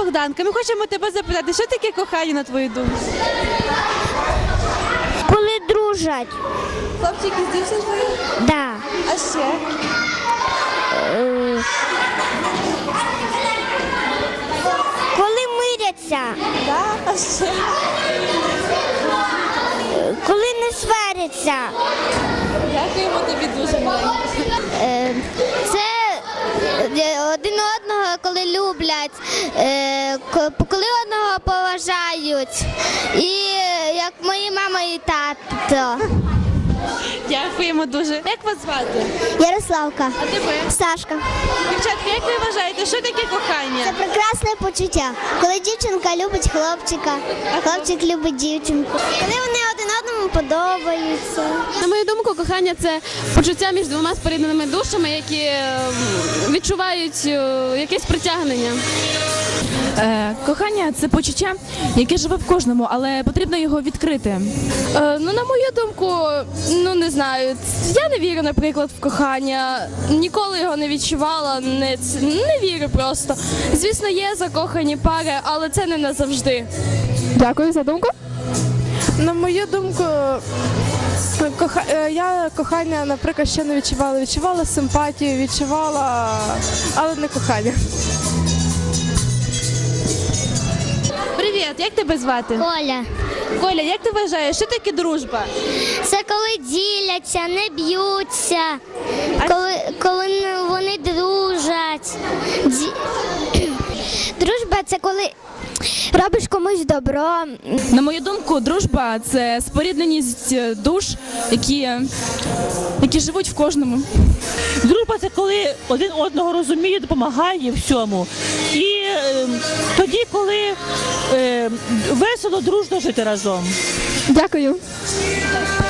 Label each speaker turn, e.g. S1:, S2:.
S1: Богданка. Ми хочемо тебе запитати, що таке кохання, на твою думку?
S2: Коли дружать.
S1: Хлопчики з дівчинкою?
S2: Да.
S1: А ще?
S2: Коли миряться.
S1: Да? А ще?
S2: Коли не сваряться.
S1: Дякуємо тобі дуже, маленька.
S2: Це один одного, коли люблять, коли одного поважають. І як мої мама і тато.
S1: Дякуємо дуже. Як вас звати?
S2: Ярославка.
S1: А тебе?
S2: Сашка.
S1: Дівчатка, як ви вважаєте, що таке кохання?
S2: Це прекрасне почуття, коли дівчинка любить хлопчика, а хлопчик любить дівчинку. Коли вони один одному подобаються.
S3: На мою думку, кохання – це почуття між двома спорідненими душами, які відчувають якесь притягнення.
S4: Кохання – це почуття, яке живе в кожному, але потрібно його відкрити.
S3: Ну, на мою думку, не знаю, я не вірю, наприклад, в кохання, ніколи його не відчувала, не вірю просто. Звісно, є закохані пари, але це не назавжди. Дякую за думку.
S5: На мою думку, я кохання, наприклад, ще не відчувала. Відчувала симпатію, відчувала, але не кохання.
S1: Привіт, як тебе звати?
S2: Коля.
S1: Коля, як ти вважаєш, що таке дружба?
S2: Це коли діляться, не б'ються, коли вони дружать. Дружба – це коли робиш комусь добро.
S4: На мою думку, дружба – це спорідненість душ, які живуть в кожному.
S6: Дружба – це коли один одного розуміє, допомагає в всьому. І тоді, коли весело, дружно жити разом.
S3: Дякую.